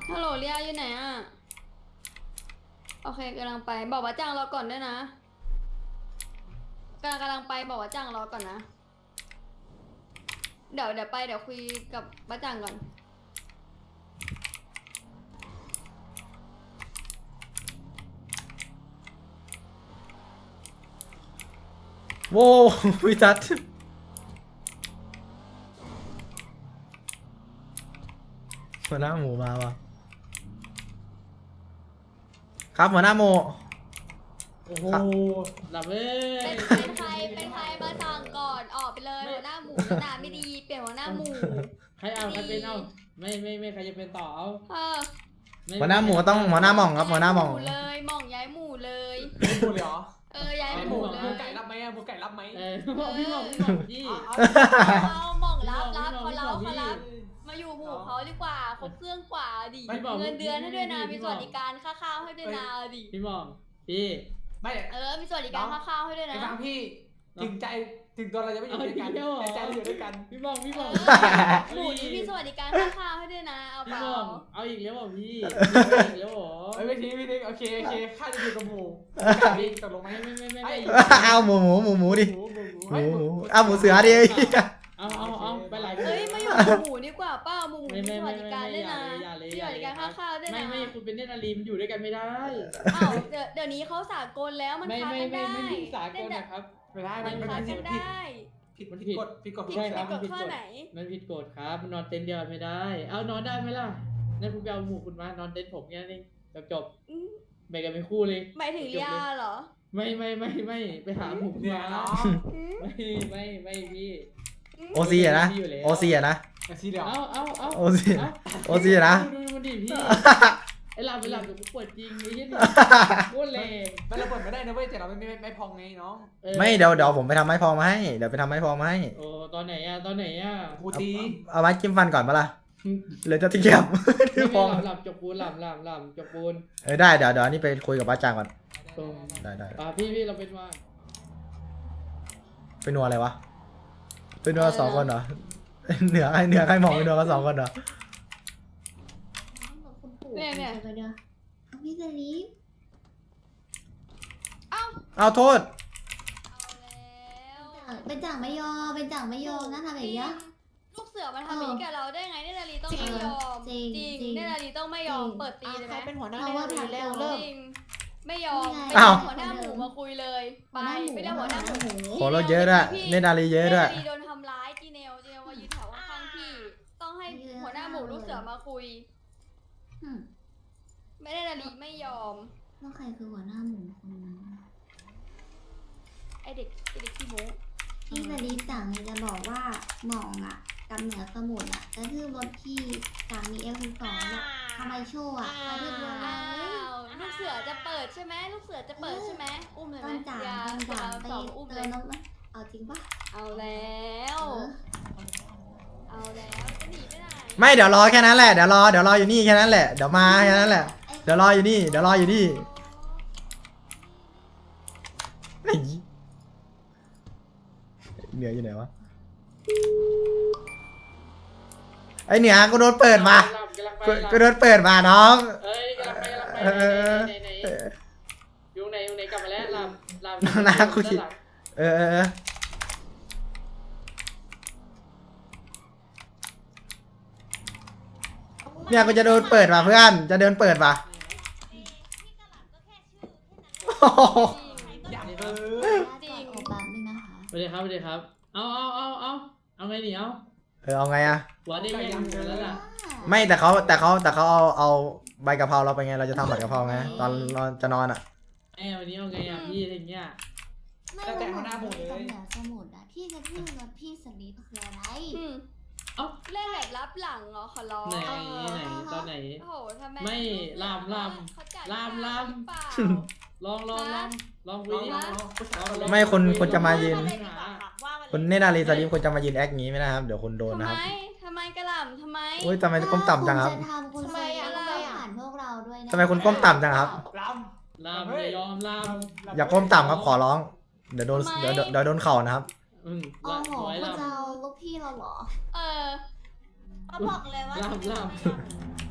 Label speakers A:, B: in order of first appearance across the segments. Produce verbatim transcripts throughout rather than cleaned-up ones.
A: ฮัลโหลเรียอยู่ไหนอ่ะโอเคกำลังไปบอกว่าจ้างรอก่อนด้วยนะกำลังกำลังไปบอกว่าจ้างรอก่อนนะเดี๋ยวเดี๋ยวไปเดี๋ยวคุยกับบ้าจังก่อน
B: โว้วิจัดหัวหน้าหมูมาว่ะครับหัวหน้าหมู
C: โอ้โหหลับเอ้ย
A: เป็นเป็นใครเป็นใครมาสั่งก่อนออกไปเลยหัวหน้าหมูหน้าไม่ดีเปลี่ยนหัวหน้าหมู
C: ใครเอาใครเป็นเอาไม่ไม่ไม่ใครจะเป็นต่อเอา
A: เออ
B: หัวหน้าหมูต้องหัวหน้าหม่องครับหัวหน้าหม่อง
A: เลยหม่องย้ายหมูเลย
D: หมูเลยเหรอ
A: เออย้ายห
D: ห
A: มู
D: มู
A: เล
D: หมู
A: ย
D: ไก่รับไหมหมูไก่รับไหม
C: เออบอกพี่บอกพี่บอกพี่
A: เอาหม่องรับรับเขาเราเขารับมาอยู่หมู่เขาดีกว่าครบเครื่องกว่าดิเงินเดือนให้ด้วยนะมีสวัสดิการค่าข้าวให้ด้วยนะดิ
C: พี่บอกพี่
D: ไม่
A: เออมีสวัสดิการค่าข้าวให้ด้วย
D: ไอ้
A: นะ
D: ฟังพี่ถึงใจถึงตัวเราจะไม่อยู่ด้วยกันแต่ใจเราอยู่ด้วยกัน
C: พี่บอกพี่บอก
A: หมูนี้มีสวัสดิการค่าข้าวให้ด้วยนะเอาเป
C: พี่
A: ล่า
C: บอกเอาอีกแล้วบอกพี่เอาอีกแล้วหรอ
D: เฮ้ยไม่ทิ้งไม่ทิ้งโอเคโอเคข้าจะอยู่กับหมูพี่ตกลงไหม
C: ไม่ไม่ไม่
D: ไอ้
C: ไม่
B: เอาหมูหมูหมูหมูดิ
D: หมูหมู
B: หมูหมูเอาหมูเสือดิ
C: เอาเอาเอาไปหลาย
A: เฮ้ยมาอยู่หมูดีกว่าเป้าหมู
C: ไม่
A: มี
C: ไม่
A: ส
C: ไม่
A: วัสดิการด้วยนะ
C: อย่าเลย
A: มี
C: อ
A: ส
C: ย่า
A: วัส
C: เลย
A: ดิการค่าข้าวด้วย
C: ไม่
A: นะ
C: ไม่คุณเป็นเนตรนารีมันอยู่ด้วยกันไม่ได้
A: อ้าวเดี๋ยวเดี๋ยวนี้เขาสากลแล้วมัน
C: ไม่
A: ค้า
C: ไม่
A: กัน
C: ไม่
A: ได้
C: ไม่มีสากลนะครับ
D: ไม่ได้
A: มั
D: มัน นมัน
A: ค้า
D: ผิ
A: กั
D: ด
A: น
D: ผิด
A: ได้
D: ผิดมันผิดกฎผิดกฎ
A: ผิด
D: ใช่
A: ผิ
D: ครั
A: ด
D: บ
A: กฎข้อไหน
C: มันผิดกฎครับมันนอนเต็นท์เดียวไม่ได้ เอานอนได้ไหมล่ะนั่นคุณไปเอาหมู่คุณมานอนเต็นท์ผมแค่นี้จบจบ
A: อืม
C: แบ่งกันเป็นคู่เลย
A: หมายถึงยาเหรอ
C: ไม่ไม่ไม่ไม่ไปหาหมู่
D: เนี่ย
C: มา
D: เนาะ
A: อืม
C: ไม่ไม่ไม่พี่
B: โอซีอะนะโอซีอะนะ
D: กระซีเดียว
C: เอาเอาเอา
B: โอซีโอซีอะนะ
C: ดูมันดิพี่ไอ้หลับไปหลับเดี๋ยวกูปวดจริงไอ้เหี้ยนี่โคตรแรง
D: มันระเบิดไม่ได้นะเว้ยแต่เราไม่ไม่ไม่พองไงน้อง
C: ออ
B: ไม่เดี๋ยวเดี๋ยวผมไปทำไม้พอมาให้เดี๋ยวไปทำไม้พอมาให้
C: โอ้ตอนไหนอะตอนไหนอะ
D: กูตี
B: เอาไม้จิ้มฟันก่อนปะล่ะหรือจะทิ้งเก็บ
C: ไม่
B: ที่พ
C: ไม่
B: อ
C: หลับหลับจกปูนหลับหลับหลับจกปูน
B: เออได้เดี๋ยวเดี๋ยวอันนี้ไปคุยกับป้าจางก่อน
C: ตรง
B: ได้ได้
C: อ่าพี่พี่เราเป็นว่า
B: ไปนัวอะไรวะไปนัวสองคนเหรอเหนือใครเหนือใครมองไปนัวกันสองคนเหรอ
A: เนี่ยเนี่ย
E: เดี๋ยวเอาพี่สลีป
B: เอาโทษ
A: เอาแล้ว
E: เป็นจ่างไม่ยอมเป็นจ่างไม่ยอมนะทำแบบนี้
A: ลูกเสือมันทำอย่างนี้กับเราได้ไงเนตรนารีต้องไม่ยอม
E: จริง
A: จริง
E: จริง
A: เนตรนารีต้องไม่ยอมเปิดตีเลยไหม
F: เป็นหัวหน้า
E: เพราะว่า
F: ใน
E: พัก
F: เร็ว
E: เริ่
F: เริ่
E: ม
F: ม
A: จริงไม่ยอม
E: นี่ไง
A: ไป
B: อ้าว
A: หัวหน้าหมูมาคุยเลยไปไม่ได้หัวหน้าหมู
B: โหเราเยอะด้วยเนตรนารีเยอะด้วย
A: เนตรนารีโดนทำร้ายจีเนลจีเนลมายืนแถวข้างๆพี่ต้องให้หัวหน้าหมูลูกเสือมาคุย
E: อืม
A: ไม่ได้นารีไม่ยอม
E: แล้วใครคือหัวหน้าหมูคนนั้น
A: ไอเด็กไอเด็กขี้โม้
E: พี่สลีปจ่างเลยจะบอกว่าหมองอ่ะกับเหนือสมุทรอ่ะกระทืบรถพี่จ่างมีเอลสิบสองอ่ะทำไมโชว์อ่ะกระทืบรถ
A: อ้า
E: เลยว
A: ลูกเสือจะเปิดใช่ไหมลูกเสือจะเปิดใช่ไหมอุ้มเลยไหม
E: ต้นจ่าง
A: อย่า
E: ต้นจ่างไป
A: สองอุ้ม
E: เติ
A: เล
E: ม
A: ย
E: น้ำมันเอาจริงปะ
A: เอาแล้ว
E: เออ
A: เอาแล้วจะหนีไปไหน
B: ไม่เดี๋ยวรอแค่นั้นแหละเดี๋ยวรอเดี๋ยวรออยู่นี่แค่นั้นแหละเดี๋ยวมาแค่นั้นแหละเดี๋ยวรออยู่นี่เดี๋ยวรออยู่นี่ไอ้เหนืออยู่ไหนวะไอเหนือกูโดนเปิดมา
C: หลับกำลังไป
B: กู
C: หลับ
B: กูโดนเปิดมาน้อง
C: เอ้ยกำลังไปกำลังไป
B: เออ
C: ไหนไหนไหนอยู่ไหนอยู่ไหนกลับมาแล้วหลับหลับ
B: น้าคุย
C: หลับ
B: เออเออเออเนี่ยกูจะโดนเปิดมาเพื่อนจะเดินเปิดมาโอ้โห
D: อยากเอ
E: ขอ
D: อ
E: อนุญาตกดโอบแป๊บนึงนะคะ
C: สวัสดีครับสวัสดีครับ เอาเอาเอาเอาเอาไงหนีเอา
B: เออเอาไงอะ
C: หัวได้ยังหัวแล้วล่ะ
B: ไม่แต่เขาแต่เขาแต่เขาเอาเอาใบกะเพราเราไปไงเราจะทำผัดกะเพราไงตอนเราจะนอนอ่ะ
C: ไอ้วันนี้เอาไงอ่ะพี่อะไรเงี้ย
E: ไม่
D: แล้วแต่หัวหน้าหมูเลย
E: กับเหนือสมุทรอ่ะที่กระทืบรถพี่สลีปคืออะไร
A: อืม
C: เอ้า
A: เล่นแบบรับหลังเหรอขอร้อง
C: ไหนไหนตอนไหน
A: โอ้โหทำไม
C: ไม่ลามลาม
A: เขาจัด
C: ลามลาม
A: หรือเปล่า
C: ลองลองลองลองคุ
D: น้
C: ย
D: อง
C: ดิ
D: น้องน้องผู้ชาย
C: ลอง
B: ไม่คนคนจะมายืน
C: หา
B: คนเนตรนารีสลิปคนจะมายืนแอคงี้ไม่ได้ครับเดี๋ยวคนโดน
A: ทำ
B: นะครับ
A: ไมทำไมกระหล่ำทำไม
B: โอ้ยทำไมก้มต่ำจังครับ
E: ถ้าณจะทำคุณ
A: ทำไม
E: เซ
A: อะ
E: ต้องไม่ผ่านพวกเราด้วยนะ
B: ทำไมคุณก้มต่ำจังครับ
D: ล
C: ลามอย่ายอมลาม
D: ำ
B: อย่าก้มต่ำครับขอร้องเดี๋ยวโดนเดี๋ยวเดี๋ยวเดี๋ยวโดนเข่านะครับ
C: อืม
E: โอ้
C: ลาม
E: โห
C: สวย
E: คุณ
C: ลาม
E: จะเอาลูกพี่เราเหรอ
A: เออ
F: เขาบอกเลยว่า
C: ลามลาม
D: ล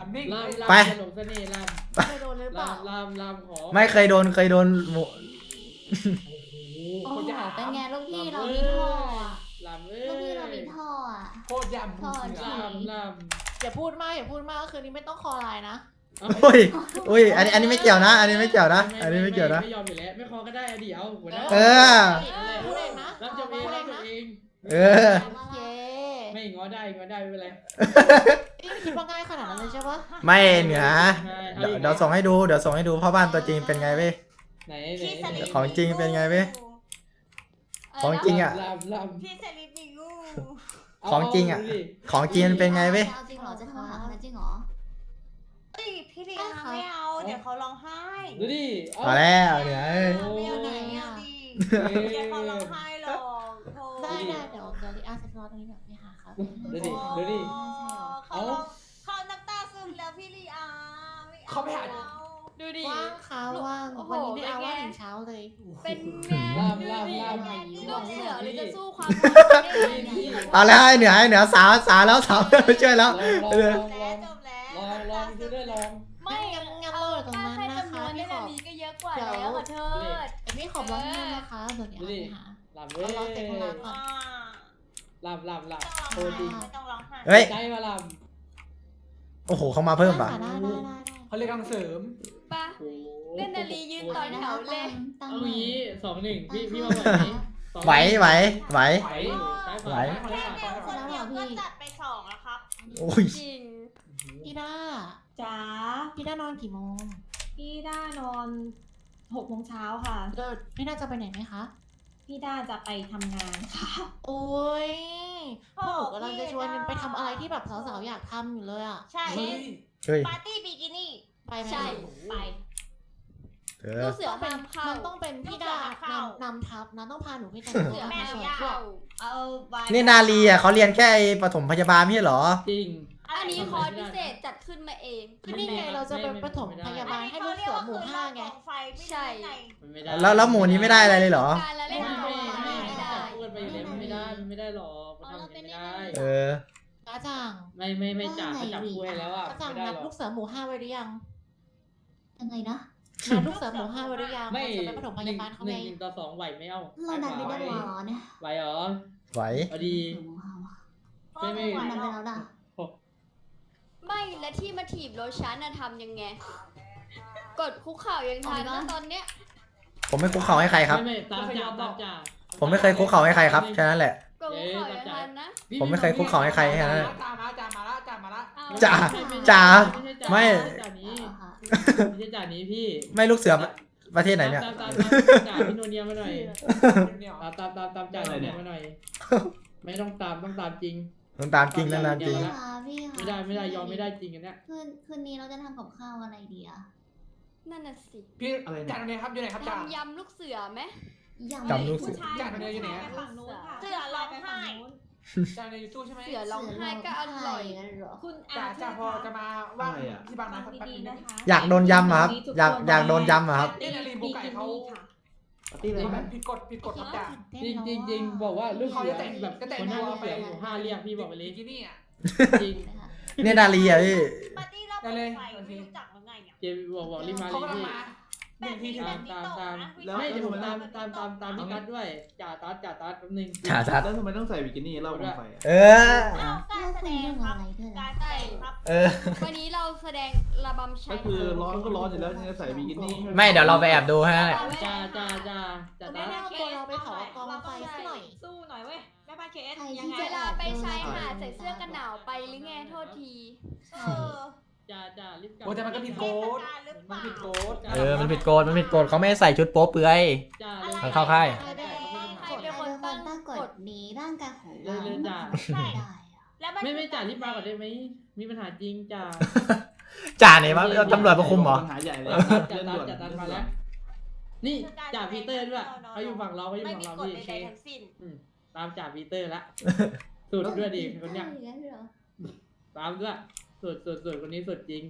D: มันนิ่ง
C: ลาม
B: ไป
C: ลามจะหลงเสน่ห์ลาม
F: เคยโดนหรือเป
C: ลา
F: ล่าม
C: ลามลามขอ
B: ไม่เคยโดนเคยโดนหมู
F: โอ้โหเป็นไงลูกพี่เรามีท่ออ่ะ
C: ลามเอ้
E: ลูกพี่เรา
C: ย
E: มีท่ออ่ะ
D: โคตรยำ
E: ท่อ
D: เสือ
E: ที่
C: ลามลาม
F: อย่าพูดมากอย่าพูดมากคืนนี้ไม่ต้องคอไลน์นะ
B: โอ้ยโอ้ยอันนี้อันนี้ไม่เกี่ยวนะ อันนี้ไม่เกี่ยวนะ อันนี้ไม่เกี่ยวนะ
C: ไม่ยอมอยู่แล้วไม่ขอก็ได้อะเดี๋ยวหัวหน้า
B: เออ
F: พูดเองนะ
C: รับจบเองรับจบเอง
B: เออ
F: เย้
C: ไม่ง้อได้ง้อได้ไม่เป็นไร
F: นี่คิดว่าง่ายขนาดนั้นเลยใช่ปะ
B: ไม่เหนือ
C: ใช่
B: เดี๋ยวเดี๋ยวส่งให้ดูเดี๋ยวส่งให้ดูพ่อบ้านตัวจริงเป็นไงเว้ย
C: ไหนไหนไหน
B: ของจริงเป็นไงเว้ย ของจริงอะ
C: ลามลาม
G: พี่สลิปมีงู
B: ของจริงอะ ของจริงมันเป็นไงเว้ย
E: เอาจริงเหรอจะโทรหาคนนั้นจริงเหรอ
G: เฮ้ยพี่ลีอาไม่เอา เดี๋ยวเขาร้องไห้
C: ดูดิ
B: มาแล้วเหนือเอ้ย
G: ไม่เอาไหนอ่ะดิเดี๋ยวเขาร้องไห้หรอกโธ่
F: ได้ได้เดี๋ยวเดี๋ยวลิอาจะรอตรงนี้แบบไปหาครับ
C: ดูดิดูดิ
G: เขาร้องเขาน้ำตาซึมแล้วพี่ลีอาไม่เอา
D: เขาไปหา
A: ดูดิ
F: ว่างค่ะว่าง
A: โอ้โห
F: วันนี้ไม่เอา
A: เป็นไง
F: ว่างถึงเช้าเลย
A: เป็นไง
C: ลามลามลาม
A: ลูกเสือหรือจะสู้ความ
B: เอาแล้วไอ้เหนือไอ้เหนือสาวสาวแล้วสาวไม่ช่วยแล้ว
C: ลอง
B: เอ
C: ล
B: อ
C: อง
G: แล้วจบแล้ว
C: ลองลองดูด้วยลอง
A: ไม่
F: งั้นงั้นเราอยู่ตรงนั้น
A: แค่
F: นะคะ
A: จำนวน
F: พี่
A: ได้
F: ขอ
A: นี้ก็เยอะกว่าแล้วขอโทษ
F: เอมี่ขอร้องงานนะคะเดี๋ยวลิอาไปหา
C: ลามเว้ย
F: เอาลองเสร็จธุระก่อน
G: อ่า
C: ลามลามลาม
G: ไม่
C: โคตรจริง
G: ต้องร้องไห้
B: เฮ้ย
C: ใจมาลาม
B: โอ้โหเขามาเพิ่มป่ะ
F: ได้ได้ได้ได้
D: เขาเรียกกำลังเสริม
A: ปะ เล่นนาฬิยืนต่อแถวเลย
E: ตั้ง
C: เอางี้สองหนึ่งพี่พี่มาไหว
B: ไหวไหวไหว
C: ไหวซ้ายข
B: ไหว
C: วา
G: แค่เดียวคนเดียวก็จัดไปสองแล้วครับ
B: โอ้ย
A: จริง
F: พี่ด้า
G: จ๋า
F: พี่ด้านอนกี่โมง
G: พี่ด้านอนหกโมงเช้าค่ะ
F: เดี๋ยวพี่ด้าจะไปไหนไหมคะ
G: พี่ด้าจะไปทำงานค่ะ
F: โอ้ยพวกหนูกำลังจะชวนไปทำอะไรที่แบบสาวๆอยากทำอยู่เลยอ่ะ
G: ใช่
D: เฮ้ย
B: เฮ้ย
G: ปาร์ตี้บิกินี่
F: ไปไหม
A: ใช่
G: ไป
B: เอ
A: ลู
B: อก
A: เสือ
F: ต้องเป็น
A: ห้ามเข้า
F: มันต้องเป็นพี่ด้า
G: ลูกเสือเข้าน
F: ำนำทัพนะต้องพาหนูไปแต่ง
A: เสื
F: ตัว
A: อ
G: แม่
A: ห้าม
F: สวย
A: เข้า
G: เอาไว้
B: นี่นาลีอ่ะเขาเรียนแค่ไอ้ปฐมพยาบาลไม่ใช่เหรอ
C: จริง
A: อันนี้คอร์สพิเศษจัดขึ้นมาเอง
F: ก็นี่ไงเราจะไปปฐมพยาบาลให้ลูกเสือหมู่ห้าไง
G: ไฟไม่
A: ใช่
G: ได้ไง
C: มันไม่ได้
B: แล้วแล้วหมูนี้ไม่ได้อะไรเลยเหรอ
A: การละเล่น
C: ไม่
A: ของ
C: ไม่
A: ไม่
C: ไม่
A: ได้
C: จับคู่กันไปอยู่แล้วมันไม่ได้มันไม่ได้หรอกมันทำอย่างนี้ไม่ได้
B: เออ
F: กระจ่าง
C: ไม่ไม่ไม่จับไม่จับคู่ให้แล้วอ่ะ
F: กระจ่าง
C: ไม่ได้
F: นัด
C: หรอ
F: ลู
C: ก
F: กเสือหมู่ห้าไว้หรือยัง
E: ยังไงนะ
F: นัดลูกเสือหมู่ห้าไว้หรือยัง
C: ไม่
F: เราจะไปปฐมพ
C: หนึ่
F: ยาง บาลเขา
C: ห
F: ไง
C: นึ่งหนึ่งต่อสองไหวไหมเอ้า
E: เราดันไปได้หรอเนี่ย
C: ไหวเหรอ
B: ไหว
C: เอาดี
E: โอ้โหเอาวะ
C: ไม่ไม่
E: ดันไปแล้วด่ะ
A: ไม่และที่มาถีบรถฉันน่ะทำยังไง กดคุกเข่ายังทันนะตอนเนี้ย
B: ผมไม่คุกเข่าให้ใครครับ
C: ไม่ไม่ตามจ่าตามจ่า
B: ผมไม่เคยคุกเข่าให้ใครครับแค่นั้นแหละ
A: กดคุกเข่ายังทันนะ
B: ผมไม่เคยคุกเข่าให้ใครแค่นั้นแหละ
D: จ่ามาจ่ามาละจ่ามาละ
A: เอา
B: จ่า จ่าไม่
C: จ่านี้
E: เอาค่ะ
C: ไม่ใช่จ่านี้พี่
B: ไม่ลูกเสือประเทศไหนเนี่ย
C: ตามตามตามจ่าพี่โนเนียมาหน่อย
D: เนี่ย
C: ตามตามตามตามจ่าโนเนียมาหน่อย ไม่ต้องตามต้องตามจริง
B: ต้องตามจริงต้องตามจริง
E: พี่ค่ะพี่ค่ะ
C: ไม่ได้ไม่ได้ยอมไม่ได้จริงอันเนี้ย
E: คืนคืนนี้เราจะทำกับข้าวอะไรดีอะ
A: นั่นน่ะสิ
D: พี่จ่าตรงนี้ครับอยู่ไหนครับจ่า
A: ทำยำลูกเสือไหม
B: จำลูกเสือ
D: จ่าตรงนี้อยู่ไหน
G: ฝั่งนู้นค่ะเสือร้องไห้
D: จ่าในยูทูบใช่ไหม
A: เสือร้องไห้ก็อร่อย
E: เหรอ
G: คุณ
D: จ่า
G: อา
D: จ่าพอจะมาว่างที่บางนาสักแป๊บ
G: ดี
D: นึ
G: ๆ
D: ง
G: นะคะ
B: อยากโดนยำอะครับ อยากอยากโดนยำอะครับ
D: นี่นาลีบุกไก่เขา
H: ปาร์ตี้อะไร
D: เขาแบ
H: นะ
D: บผิดกฎผิดกฎครับจ่า
C: จริงจริงจริงบอกว่าลูกเสือแบบคนหน้าลูกเสือหมู่ห้าเรียกพี่บอกไปเล
D: บิ
C: ย
D: กินี่อ่ะ
C: จริง
B: เนี่ยนาลีอ่ะพี่
G: ปาร์ตี้รอบ
D: ได้เลย
G: ไฟไม่รู้จักหรือไงเนี่ย
C: เจบอกบอกรีบมา
D: เขา
C: รี
D: กำลัง
C: พี่
D: มาหนึ่งทีถึง
C: ตามตามตามไม่เดี๋ยวผมตามตามตามตามพี่กัดด้วยจ่าตัดจ่าตัดแป๊บนึง
B: จ่าทัด
H: แล้วทำไมต้องใส่บิกินี่เล่าโคมไฟอะ
B: เออ
G: เอาการ
E: เรา
G: แส
E: คุ
G: ด
E: ย
G: ง
E: เรื่อง
G: ครั
E: อะ
G: บ
E: ไรด้วย
G: กา
E: นะ
G: รแสดงครับ
B: เออ
A: วันนี้เราแสดงระบำชั
H: ก็
A: ย
H: คือร้อนก็ร้อนอยู่แล้วยังจะใส่บิกินี่
B: ไม่เดี๋ยวเราไปแอบดูให้นั่นแหละ
C: จ่าจ่าจ่าจ่า
F: แม่
C: ตัด
F: เอาตัวเราไปเผากองไฟสักหน่อย
G: สู้หน่อยเว้ยแม่บ้านเคเอส
E: ใคร
G: ยั
E: ที่
G: งไง
A: เว
E: จะ
A: ลาไปชายหาดใส่เสื้อกันหนาวไปหรือไงโทษที
G: เออ
C: จ่าจ่ารีบกลับ
D: โอ้แต่มันก็ผิดโกฎ
G: หรือเป
D: มัน
G: ล่า
D: ผิดโกฎ
B: เออ มันผิดโกฎมันผิดโกฎเขาไม่ให้ใส่ชุดโป๊เปลือย
C: จ่าเลย
B: มันเข้าค่าย
A: ใครเป็น
E: ใครเป็นคนตั้งกฎนี้ร่างกายของ
C: เล
E: เรา
C: ยเลยจ่า
E: ไม่ได้อะ
G: แล้วน
C: ไม่ไม่จ่ารีบมาก่อนได้ไหมมีปัญหาจริงจ่า
B: จ่าไหนวะตำรวจมาคุมเหรอ
H: ปัญหาใหญ่เลย
C: จ่า
H: เรื่อง
C: ตั
H: ด่
C: ด
H: วน
C: จ่าตัด
H: เรื่อง
C: มา
H: ด่ว
C: แล้ว
H: น
C: นี่จ่าพีเตอร์ด้วยเขาอยู่ฝั่งเราเขาอยู่
G: ไม่
C: ฝั่ง
G: มี
C: เรา
G: กฎ
C: พี่
G: ใด
C: เค
G: ๆทั้งสิ้น
C: ตามจ่าพีเตอร์ละสุดด้วยดิคนเนี้ย
E: ใช่อย่างนั้นเหรอ
C: ตามด้วยสุดสุดสุดคนนี้สุดจริง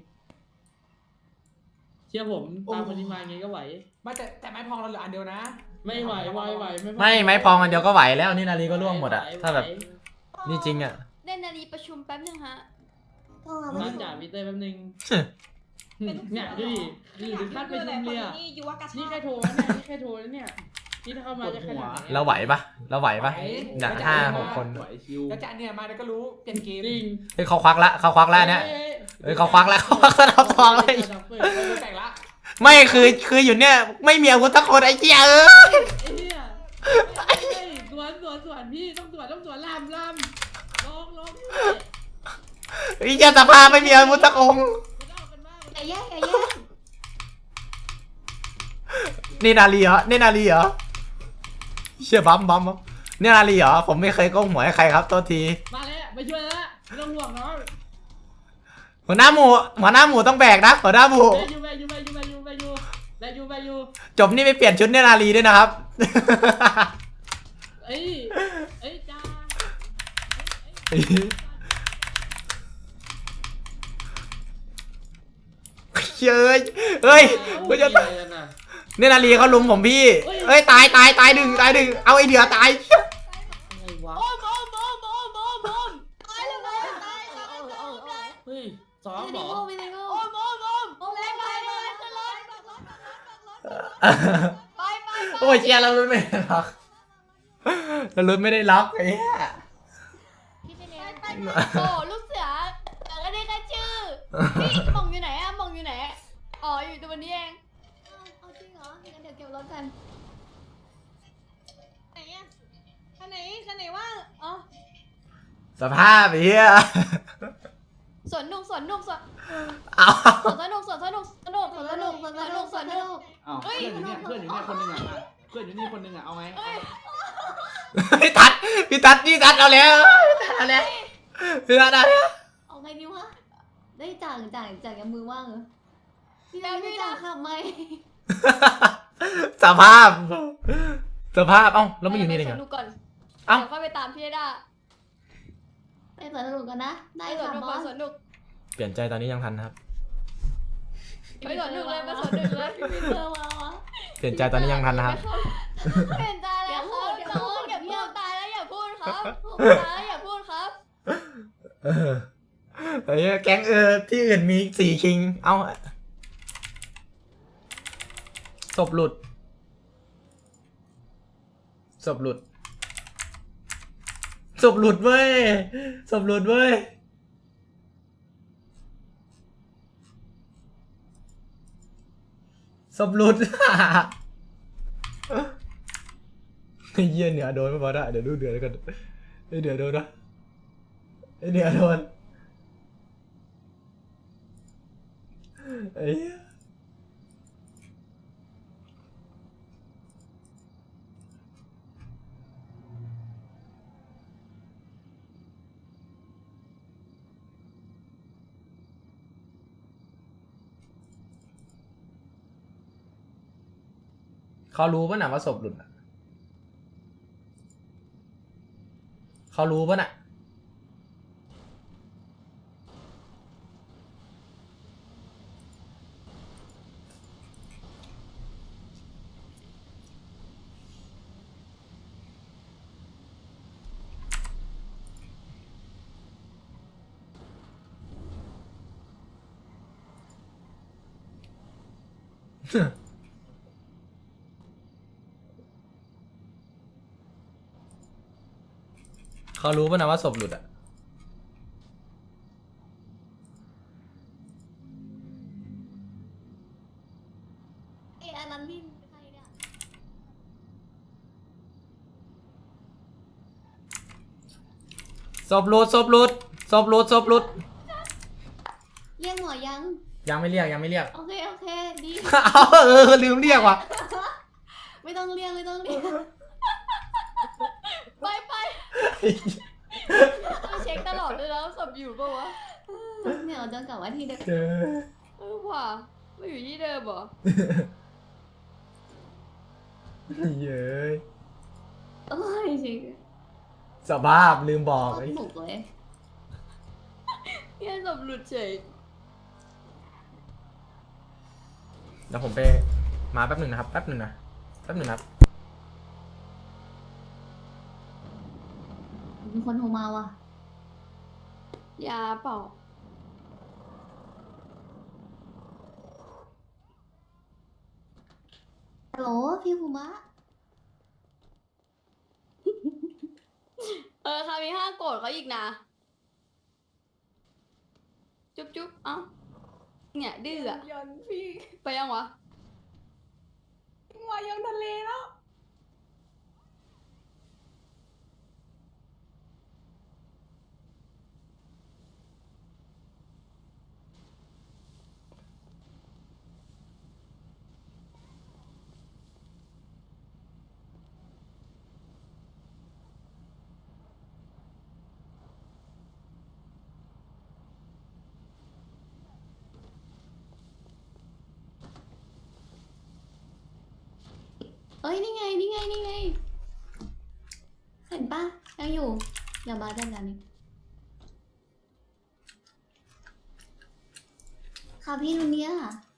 C: เชื่อผมตามคนนี้มาไงก็ไหว
D: ไม่แต่แต่ไม้พองเราเหลืออันเดียวนะ
C: ไม่ไหวไหวไหว
B: ไม่ไม้พองอันเดียวก็ไหวแล้วนี่นาลีก็ล่วงหมดอะถ้าแบบนี่จริงอะ
A: เล่นนาฬิประชุมแป๊บนึงฮะ
E: พวกเรา
C: น
E: ไม่
C: อน
E: ถูก
C: จ่าพีเตอร์แป๊บนึงเนี่ยดูดินี่ถึงขั้นประชุมเลยอ่ะ
G: นี่ยุวกระชา
C: นี่แค่โทรนะเนี่ยนี่แค่โทรนะเนี่ยนี่ถ้าเข้ามาจะขนาดไหน
B: เราไหวปะเราไหวปะเนี่ยห้าหกคน
H: ไหวชิว
D: แล้วจะเนี่ยมาแล้วก็รู้เปลี่ยนเกม
C: จริง
B: เฮ้ยเขาควักละเขาควักแล้วเนี่ยเฮ้ยเขาควักแล้วเขาควักสนับทองเลย
D: เราแต่งละ
B: ไม่คือคืออยู่เนี่ยไม่มีอาวุธสักคนไอ้เจี๊ยเอ้ย
C: ไอ้เนี่ยสวนสวนสวนพี่ต้องสวนต้องสวนลามลามลองลอง
B: ไอ้เจี๊ยสภาไม่มีอาวุธสักองค์
E: อย่าแย่งอย่าแย่ง
B: นี่นาลีเหรอนี่นาลีเหรอเชี่ยบัมบัมบัมนี่นาลีเหรอผมไม่เคยโกงหัวให้ใครครับโทษที
C: มาแล้วมาช่วยแล้วไม่ต้องห่วงน้อง
B: หัวหน้าหมูหัวหน้าหมูต้องแบกนะหัวหน้าหมู
C: ไปยูไปยูไปยูไปยูไปยูไปยูไปยู
B: จบนี่ไปเปลี่ยนชุดเนี่ยนาลีด้วยนะครับ
C: เอ้ยเอ้ยจ้า
B: เย้ยเฮ้ยกูจะตายเนี่ยนาลีเขาลุมผมพี่เอ้ยตายตายตายดึงตายดึงเอาไอเดือตาย
C: อะไรวะ
A: โอ้มโอ้มโอ้มโอ้มโอ้มโอ้มตายเลยตายตายตายตายตาย
C: เฮ้ยซ้อม
E: ไม่
C: เหร
E: ได้
C: อ
E: โง่ไม่ได้โง่
A: โอ้มโอ้มโอ้มโอ้มไปไปไปขึ้นรถไปไป
B: โอ้ยเชียร์เราลุ้นไม่ได้ล็อกเราลุ้นไม่ได้ล็อกไอ้เหี้ย
F: พี่เจเน
A: ไปไปโอ้ลูกเสือแต่ก็ได้แค่ชื่อพี่หม่องอยู่ไหนอะหม่องอยู่ไหนอ๋ออยู่ตัวนี้เอง
E: เอาจริงเหรองั้นเดี๋ยวเก็บรถกัน
G: ไหนอะคันไหนคันไหนว่างอ๋อ
B: สภาพไอ้เหี้ย
A: สวนนุกสวนนุกสวน
B: เอา
A: สวนสนุกสวนสนุกสนุกสวนสนุกสวนสนุกสวนสนุก
H: อ้าวเพื่อนอยู่เนี่ยเพื่อนอยู่เนี่ยคนหนึงอ่ะอ่ะเพื่อนอยู่นี่คนหนึงอ่ะเอาไง
B: พี่ตัดพี่ตัดพี่ตัดเอาแล้วพี่ตัดเอาแล้วพี่ตัดเอาแล้ว
E: เอาไงดีวะได้จ่างจ่างจ่างยังมือว่างเหรอพี่ได้ไม่จ่างขับไหม
B: สภาพ สภาพเอ้าแล้วไม่อยู่นี่ได้
A: ส
B: ไง
A: วนนุกก่อน
B: เอ้า
A: เดี๋ยวค่อยไปตามพี่ได้
E: ไปสวนสนุกกันนะ ได้
A: ไปสวน
E: ค่ะ
A: นุก
E: บ
A: ไป
E: อส
A: สวนนุก
B: เปลี่ยนใจตอนนี้ยังทันนะครับ
A: ไปสวนนุกเลยไปสวนนุกเลย
E: พี่เตอร์มาวะ
B: เปลี่ยนใจตอนนี้ยังทันนะครับ
A: เปลี่ยนใจแล้วครับ
E: อย่า
A: น้
E: พู
A: อง
E: ด
A: อย่า
E: อย่าพู
A: พู
E: ด
A: ดตายแล้วอย่าพูดครับตายแล้วอย่าพูดครับ
B: เออไอ้เหี้ยแก๊งเออที่อื่นมีสี่คิง เอ้าศพหลุดศพหลุดศพหลุดเว้ยศพหลุดเว้ยศพหลุด ไอ้เหี้ยเหนือโดนไม่พอได้เดี๋ยวดูเดือดแล้วกันไอ้เดือดโดนนะไอ้เหนือโดนไอ้เหี้ยเขารู้ป่ะน่ะว่าศพหลุดอ่ะเขารู้ป่ะน่ะเขารู้ป่ะนะว่าศพหลุดอ่ะ
E: เอ้ยอันนั้นพี่ใครเนี่ย
B: ศพหลุดศพหลุดศพหลุดศพหลุด
E: เรียกหมอยัง
B: ยังไม่เรียกยังไม่เรียก
E: โอเคโอเคดี
B: เอาเออลืมเรียกว่ะ
E: ไม่ต้องเรียกไม่ต้องเรียก
A: ไปไปต้องเช็คตลอดเลยแล้วศพอยู่ปะวะ
E: เนี่ยเราจะกลับมาที่เดิม
B: เจอ
A: เออว่ะไม่อยู่ที่เดิมเหรอ
B: เย้ย
E: โอ้ยจริง
B: สภาพลืมบอก
E: โคต
B: ไอ้
E: รบุกเลย
A: เนี่ยศพหลุดเฉย
B: เดี๋ยวผมไปมาแป๊บหนึ่งนะครับแป๊บหนึ่งนะแป๊บหนึ่งนะครับ
E: มีคนโทรมาว่ะ
A: ยาเปล่า
E: พี่ภูมะ
A: เออคามีห้าโกรธเขาอีกนะ จุ๊บจุ๊บเอ้าเนี่ยดื้ออะ
G: ยันพี่
A: ไปยังวะ
G: มายังทะเลแล้ว
E: เอ้ยนี่ไงนี่ไงนี่ไงเห็นปะยังอยู่อย่ามาได้แล้วนี่ค่ะพี่ลุนเนี้ย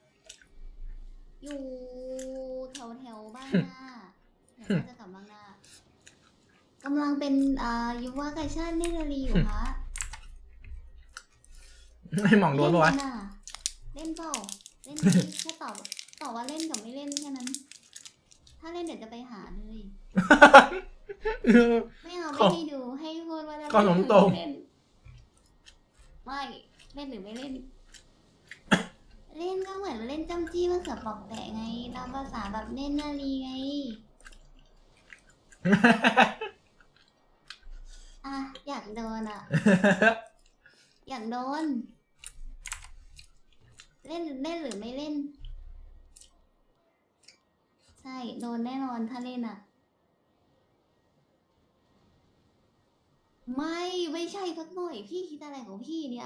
E: อยู่แถวแถวบ้านหน้าเดี๋ยวจะกลับบ้านหน้ากำลังเป็นอ่ายุวกาชาติเนตรลีอยู่คะ
B: ไม่หมองโดนปะวะ
E: เล่นน่เล่นเปล่าเล่นไหมแค่ตอบตอบว่าเล่นกับไม่เล่นแค่นั้น ถ้าเล่นเดี๋ยวจะไปหาเลย ไม่เอาไม่ให้ดูให้พูดว่าจะ
B: ก็หลงตรง
E: เล่นไม่เล่นหรือไม่เล่น เล่นก็เหมือนเล่นจ้ำจี้มะเขือเปอกแตะไงตามภาษาแบบเล่นนาลีไง อ่ะอยากโดนอ่ะ อยากโดน เล่นเล่นหรือไม่เล่น ใช่โดนแน่นอนถ้าเล่นอ่ะ ไม่ไม่ใช่สักหน่อยพี่คิดอะไรของพี่เนี่ย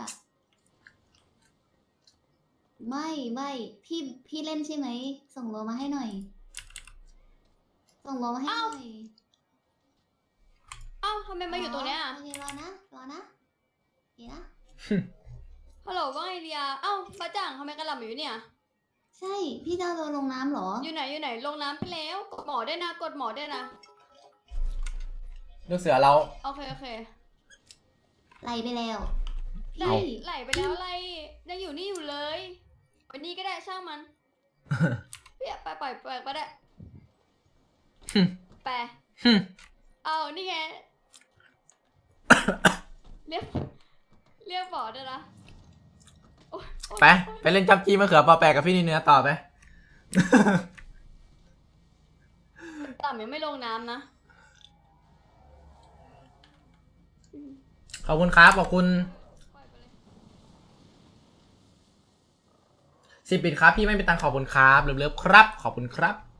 E: ไม่ไม่พี่พี่เล่นใช่ไหมส่งโลมาให้หน่อย ส่งโลมาให้หน่อย
A: เอ้าทำไมมาอยู่ตรงเนี้ย
E: โอเครอนะรอนะโอเคนะ
A: ฮัลโหลว่าไงเดียเอ้าป้าจ่างทำไมกระหล่ำอยู่เนี่ย
E: ใช่พี่จะเอาโดนลงน้ำเหรอ
A: อยู่ไหนอยู่ไหนลงน้ำไปแล้วกดหมอได้วยนะกดหมอได้วยนะ
B: ลูกเสือเรา
A: โอเคโอเค
E: ไหลไปแล้ว
A: ไหล
E: พี่
A: ไหลไปแล้วไหลยังอยู่นี่อยู่เลยวันนี้ก็ได้ช่างมัน เปียไปปล่อยปล่อยไปได้ไป
B: หึ
A: เอานี่ไง เรียกเรียกหมอได้วยนะโอ๊ยโอ๊ย
B: ไปไปเล่นจับจีมะเขือเปอแปะกับพี่นี่เนื้อต่อไป
A: ต่ำยังไม่ลงน้ำนะ
B: ขอบคุณครับขอบคุณ
A: ปล่อยไปเลย
B: สิบบิตครับพี่ไม่เป็นตังค์ขอบคุณครับเลิฟๆครับขอบคุณครับ